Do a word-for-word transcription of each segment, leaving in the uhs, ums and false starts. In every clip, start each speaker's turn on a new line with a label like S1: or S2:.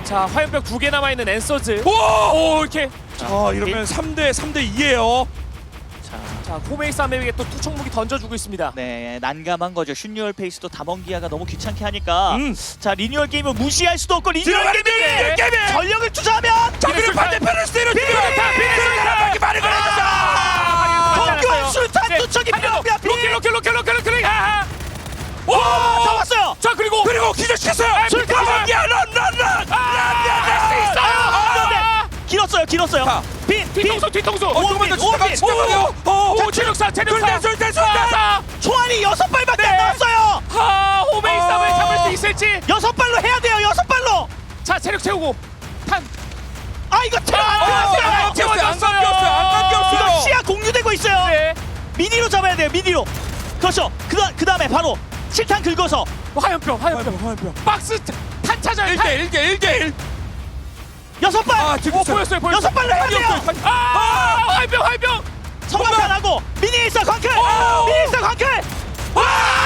S1: 자 화염병 두 개 남아 있는 앤서즈.
S2: 오!
S1: 오 이렇게.
S2: 자 이러면 삼 대 삼 대 이예요.
S3: 자,
S1: 자 코메이사메에게 또 투척무기 던져주고 있습니다.
S3: 네, 난감한 거죠. 슈니얼 페이스도 담원기아가 너무 귀찮게 하니까.
S2: 음.
S3: 자, 리뉴얼 게임을 무시할 수도 없고 리뉴얼
S2: 들어가는
S3: 게임에
S2: 리뉴얼 게임에!
S3: 전력을 투자하면
S2: 자 그리고 반대편을 스테로지고 비례수류탄 많이 걸렸다.
S3: 공격 수류탄 투척이 필요합니다.
S1: 로켓 로켓 로켓 로켓 로켓. 아!
S3: 와, 잡았어요.
S1: 자 그리고
S2: 그리고 기절시켰어요.
S1: 수류탄!
S2: 야런런런
S1: 할수 있어요.
S3: 길었어요, 길었어요.
S2: 자,
S3: 빈, 빈.
S1: 뒤통수 뒤통수.
S2: 어 조금만 더
S3: 오빈,
S2: 치다가 치다가요. 어
S1: 오 체력사 체력사.
S2: 술대 술대 술대.
S3: 총알이 여섯 발밖에
S1: 네.
S3: 안 나왔어요.
S1: 하 호메이사메
S2: 어.
S1: 잡을 수 있을지.
S3: 여섯 발로 해야 돼요. 여섯 발로.
S1: 자 체력 채우고 탄.
S3: 아, 이거 체력 안
S1: 아,
S3: 나왔어요.
S1: 안
S2: 채웠어요. 안
S1: 채워졌어요.
S2: 깎였어요. 안 깎였어요.
S3: 이거 시야 공유되고 있어요.
S1: 네.
S3: 미니로 잡아야 돼요. 미니로. 그렇죠. 그다 그다음에 바로 실탄 긁어서
S1: 화염병 화염병.
S2: 화염병 화염병.
S1: 박스 탄 찾아요.
S2: 일 대 일 대 일 대 일.
S3: 여섯 발.
S2: 아
S1: 오
S2: 지금
S1: 보였어요 보였어요.
S3: 여섯 발로 해야 돼요.
S1: 아 화염병 화염병.
S3: 성광탄하고 미니 있어 광클.
S2: 오!
S3: 미니 있어 광클.
S2: 와!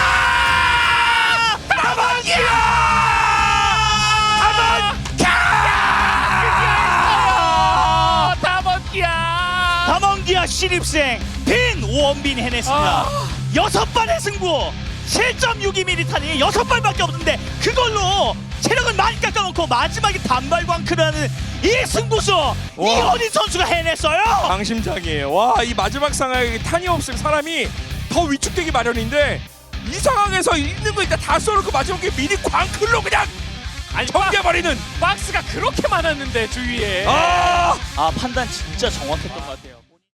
S1: 아 다번기야.
S3: 담원기아 신입생 빈 오원빈 해냈습니다.
S1: 아.
S3: 여섯 발의 승부. 칠 점 육이 밀리탄이 여섯 발밖에 없는데 그걸로 체력을 많이 깎아놓고 마지막에 단발 광클하는 이 승부수 이현인 선수가 해냈어요.
S2: 방심장이에요. 와 이 마지막 상황에 탄이 없으면 사람이 더 위축되기 마련인데 이 상황에서 있는 거 일단 다 쏘놓고 마지막에 미니 광클로 그냥
S1: 아니
S2: 정겨버리는.
S1: 박스가 그렇게 많았는데 주위에.
S2: 아.
S3: 아, 판단 진짜 정확했던 것 같아요.